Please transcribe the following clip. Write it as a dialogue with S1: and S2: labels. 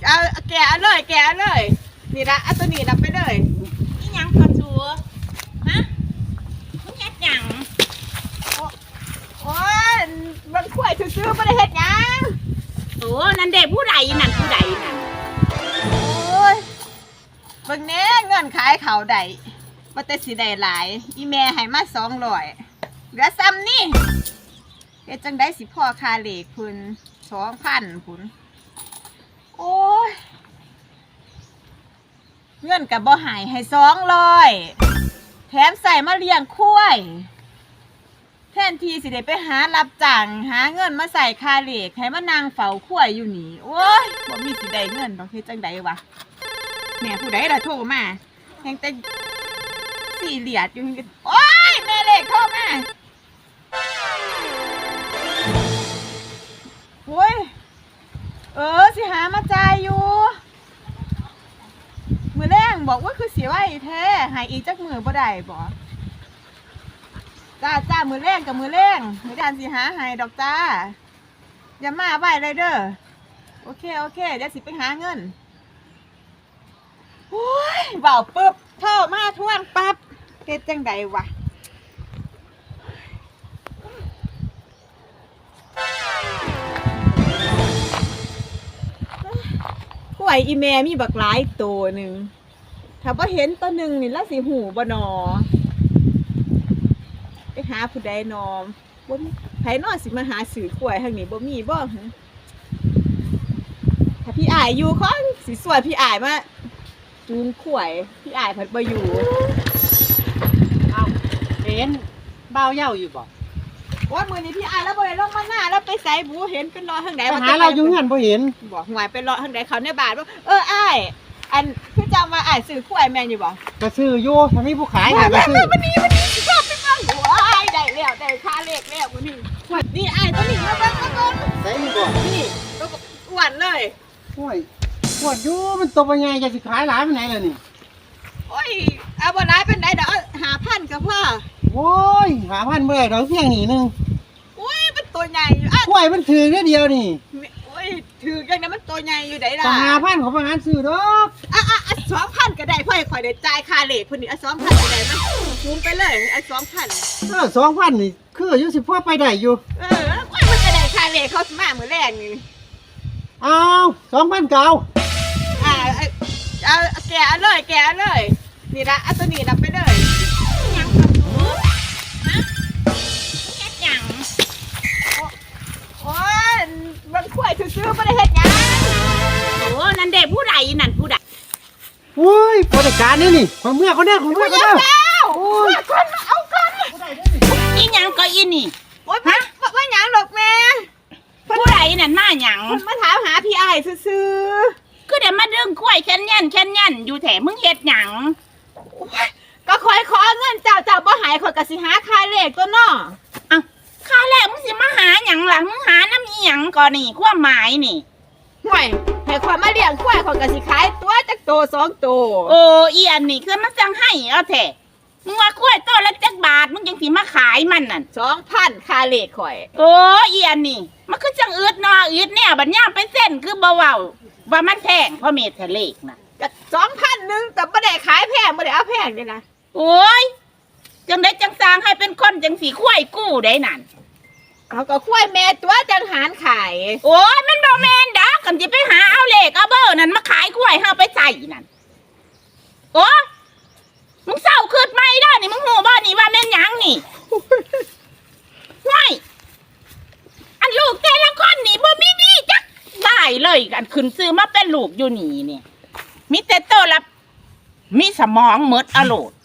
S1: เอาแกะเลยแกะเลยนี่ละเอาตัวนี้รับไปเลย
S2: นี่ยังกระชัวฮะมึงเฮ็ดหยัง
S1: โอ้ยมันข่วยซื้อๆไม่ได้เฮ็ดหยัง
S2: โอ้นั่นเด็กผู้ใดนั่นผู้ใดนั่น
S1: โอ้ยเบิ่งแน่เงินขายเขาได้ว่าแต่สิได้หลายอีแม่ให้มา200เหลือซ้ำนี่เฮ็ดจังได้สิพ่อคาเหล็กพุ่น2,000พุ่นโอ้ยเงินกับบ่หายให้200แถมใส่มาเลี้ยงควายแทนที่สิได้ไปหารับจ้างหาเงินมาใส่คาเหล็กให้มานางเฝ้าควายอยู่นี่โอ้ยบ่มีสิได้เงินดอกเฮ็ดจังไดวะแม่ผู้ใดล่ะโทรมาแฮงแต่สี่เหลียดอยู่โอ้ยแม่เล็กโทรมาโอ้ยสิหามาจ่ายอยู่มือแรงบอกว่าคือเสียไว้แท้หายอีกจักมือบ่ได้บ่จ้ามือแรงกับมือแรงมือดานสิหาหายดอกจ้าอย่ามาไว้เลยเด้อโอเคเดี๋ยวสิไปหาเงินโอ้ยเบาปึ๊บโทรมาทวนปั๊บเฮ็ดจังใดวะกล้วยอีแม่มีบักหลายตัวหนึ่งถ้าบ่เห็นตัวหนึ่งนี่ละสิหูบ่นอไปหาผู้ใดนอมบ่มีไผนอสิมาหาสื่อกล้วยทางนี้บ่มีบ่ถ้าพี่อ้ายอยู่ขอสิสวยพี่อ้ายมาจูงกล้วยพี่อ้ายเพิ่นบ่อยู่
S3: เอาเห็นเบาเย้าอยู่บ่
S1: ว่ามื้อนี้พี่อ้ายแล้วบ่ได้ลงมาหน้าแล้วไปไสบูเห็นเป็นรอทางใด
S3: ไปหาเราอยู่เฮือนบ่เห็น
S1: บ่หวยเป็นรอทางใดเขาในบ้านบ่อ้ายอันคือจำว่าอ้ายซื้อกล้วยแม่นอยู่บ่
S3: ก็ซื้ออยู่ถ้ามีผู้ขายน่ะก็ซื้อ
S1: วันนี้ชอบไปเบิ่งว้ายได้แล้วได้ค่าเลขแล้วมื้อนี้นี่อ้ายตัวนี้มาเบิ่ง
S3: ใส่นี่บ่
S1: นี่ตัวอ้วนเลย
S3: โอ้ยปวดอยู่มันตัวใหญ่จะสิขายหลายปานไหนล่ะนี่
S1: โอ้ยเอาบ่หลายปานใดดอก5,000ก็พอ
S3: โอ้ย5,000บ่ได้ดอกเพียงนี่นึง
S1: โอ้ยมันตัวใหญ่อยู่
S3: กล้วยมันถือเดียวนี่
S1: โอ้ยถือจังได๋มันตัวใหญ่อยู่ได้ล่ะ
S3: 5,000เขาบ่หาซื้อดอก
S1: 2,000ก็ได้พ่อให้ข่อยได้จ่ายค่าเลขพุ่นนี่2,000ก็ได้มั้ยคูณไปเลย2,000
S3: 2,000นี่คืออยู่สิพอไปได้อยู่
S1: โอ้ยมันจะได้ค่าเลขเขาสิมามื้อแรกนี่
S3: เอา2,000เก่า
S1: เอาแกะเลยนี่ละเอาตัวนี้รับไปเลย
S2: ยังกระชัวฮะมึงเฮ็ดหยัง
S1: โอ้ยมันข่วยซื้อๆไม่ได้เฮ็ดหยัง
S2: โอ้นั่นเด็กผู้ใดนั่นผู้ใด
S3: โอ้ยบริการนี่ของเมื่อเขาเนี่ยของเมื่อเขาเนี่ย
S1: โอ้ยคนเอากัน
S2: อีหยังก็อีนี่
S1: โอ้ยว่าหยังดอกแม่
S2: ผู้ใดนั่นมาหยัง
S1: มาถามหาพี่อ้ายซื้อ
S2: คือเดี๋ยวมาดึงกล้วยแค่นอยู่แถมึงเฮ็ดหยัง
S1: ก็คอยขอเงินเจ้าบ่หายข่อยก็สิหาค่าเลขตัวน้อ
S2: ค่าแรกมึงสิมาหาหยังหลังมึงหาน้ำอีหยังก่อนนี่ความหมายนี่
S1: ห่วยให้ข่อยมาเลี้ยงควายข่อยก็สิขายตัวจักโต2โต
S2: โอ้อีอันนี่คือมันจังให้เอาแท้มึงว่ากล้วยตัวละจักบาทมึงจังสิมาขายมันนั่น
S1: 2,000ค่าเลขข่อย
S2: โอ้อีอันนี่มันคือจังอึดนออึดเนี่ยบัดย่ามเป็นเส้นคือบ่เว้าว่ามันแพงเพราะเมตรเลขน่ะ
S1: ก็2,000นึงแต่บ่ได้ขายแพงบ่ได้เอาแพงนี่นะ
S2: โอ้ยจังได้จังสร้างให้เป็นคนจังสีควายกู้ได้นั่น
S1: เขาก็ควายแม่ตัวจังหารขาย
S2: โอ้ยมันบ่แม่นดอกกันสิไปหาเอาเลขเอาเบอร์นั่นมาขายควายเฮาไปใส่นั่นโอ้มึงเศร้าขึ้นไหมด้นี่มึงหูบ่นี่ว่าแม่นหยังนี่ว้ายอันลูกแต่ละคนนี่บ่มีดีจักได้เลยอันขึ้นซื้อมาเป็นลูกอยู่นี่เนี่ยมีแต่โตละมีสมองหมดอโลด